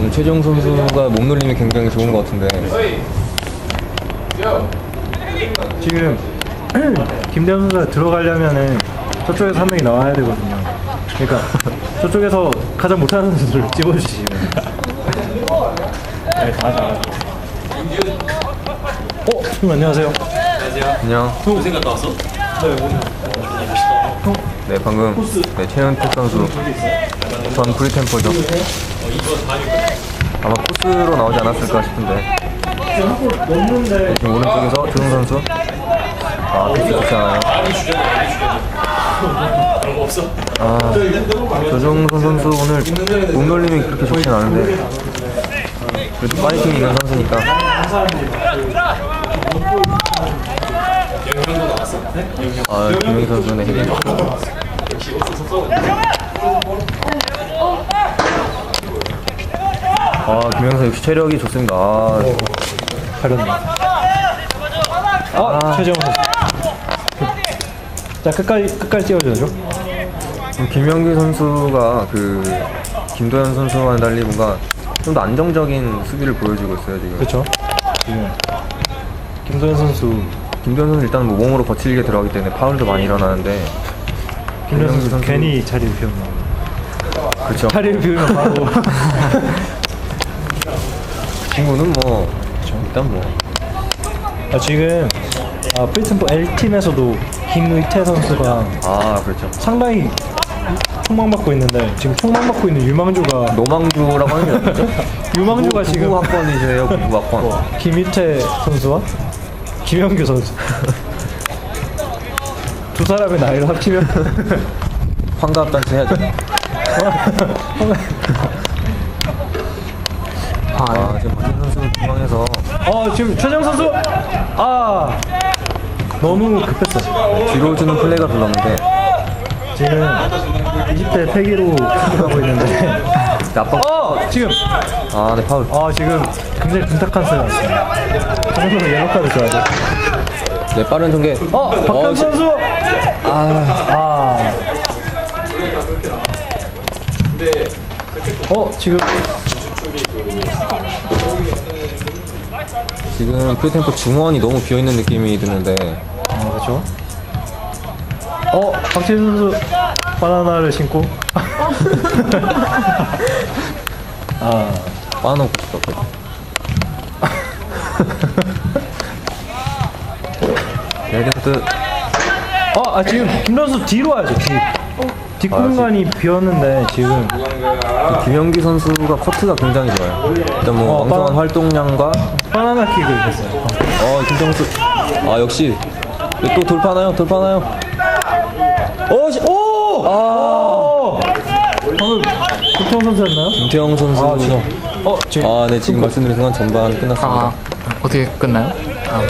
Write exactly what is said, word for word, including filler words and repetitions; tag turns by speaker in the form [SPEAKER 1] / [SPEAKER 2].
[SPEAKER 1] 오늘 최정 선수가 몸놀림이 굉장히 좋은 것 같은데.
[SPEAKER 2] 지금 김대현 선수가 들어가려면은 저쪽에서 한 명이 나와야 되거든요. 그러니까 저쪽에서 가장 못하는 선수를 찍어주시면. 네, 다 잘하죠. 어, 형 안녕하세요.
[SPEAKER 1] 안녕.
[SPEAKER 3] 고생 갔다 왔어?
[SPEAKER 1] 네, 방금 네, 최현택 선수 전 프리템포죠. 아마 코스로 나오지 않았을까 싶은데.
[SPEAKER 2] 넘는데
[SPEAKER 1] 지금 오른쪽에서 조용 선수. 아, 패스 좋지 않아요.
[SPEAKER 3] 그런 거 없어?
[SPEAKER 1] 아, 조정선 선수 오늘 몸놀림이 그렇게 좋진 않은데 그래도 파이팅이 있는 선수니까.
[SPEAKER 3] 영형도 나왔어?
[SPEAKER 1] 아, 김영희 선수는 헤딩. 아, 김영희 선수 역시 체력이 좋습니다. 아,
[SPEAKER 2] 가렸네. 아, 최재형 선수. 자, 끝까지 끝까지 찍어줘야죠.
[SPEAKER 1] 지금 김영규 선수가 그 김도현 선수와는 달리 뭔가 좀 더 안정적인 수비를 보여주고 있어요 지금.
[SPEAKER 2] 그렇죠. 지금 김도현 선수,
[SPEAKER 1] 김도현 선수 일단 뭐 몸으로 거칠게 들어가기 때문에 파울도 많이 일어나는데
[SPEAKER 2] 김도현 선수,
[SPEAKER 1] 선수-
[SPEAKER 2] 괜히 자리를 비웠나.
[SPEAKER 1] 그렇죠.
[SPEAKER 2] 자리를 비우면 바로.
[SPEAKER 1] 그 친구는 뭐 일단 뭐
[SPEAKER 2] 아, 지금 아, 프리템포 L팀에서도 김의태 선수가
[SPEAKER 1] 아, 그렇죠.
[SPEAKER 2] 상당히 총망받고 있는데 지금 총망받고 있는 유망주가
[SPEAKER 1] 노망주라고 하는 게 낫죠?
[SPEAKER 2] 유망주가 지금
[SPEAKER 1] 구구 학번이세요, 구구 학번.
[SPEAKER 2] 김희태 선수와 김영규 선수 두 사람의 나이를 합치면
[SPEAKER 1] 환갑 단체 해야죠. 아, 지금 박진 선수 중앙에서
[SPEAKER 2] 어 지금 최정 선수 아 너무 급했어.
[SPEAKER 1] 뒤로 주는 플레이가 불렀는데
[SPEAKER 2] 지금 이십 대 패기로 승부하고 있는데
[SPEAKER 1] 나빠.
[SPEAKER 2] 어 지금
[SPEAKER 1] 아, 네, 파울.
[SPEAKER 2] 아 지금 굉장히 분탁한 소리가 났어요. 저 정도면 옐로카드 줘야 돼.
[SPEAKER 1] 네, 빠른 전개.
[SPEAKER 2] 어 박현 선수
[SPEAKER 1] 아,
[SPEAKER 2] 아. 어 지금
[SPEAKER 1] 지금 프리템포 중원이 너무 비어있는 느낌이 드는데.
[SPEAKER 2] 아 그렇죠. 어 박지현 선수 바나나를 신고 아
[SPEAKER 1] 빠놓고 싶었거든. 레드카드.
[SPEAKER 2] 어, 아 지금 김 선수 뒤로 와야죠. 뒤 뒷공간이 비었는데 지금
[SPEAKER 1] 김영기 선수가 커트가 굉장히 좋아요. 일단 뭐
[SPEAKER 2] 어,
[SPEAKER 1] 왕성한
[SPEAKER 2] 빠른-
[SPEAKER 1] 활동량과
[SPEAKER 2] 바나나 킥을 했어요.
[SPEAKER 1] 어, 김정수. 아, 역시 또 돌파나요? 돌파나요? 어, 시, 오! 아,
[SPEAKER 2] 어 방금 구태영 선수였나요?
[SPEAKER 1] 김태형 선수.
[SPEAKER 2] 아 지금 어 지금
[SPEAKER 1] 아, 네, 지금 말씀드린 순간 전반 끝났습니다.
[SPEAKER 4] 아, 어떻게 끝나요? 아,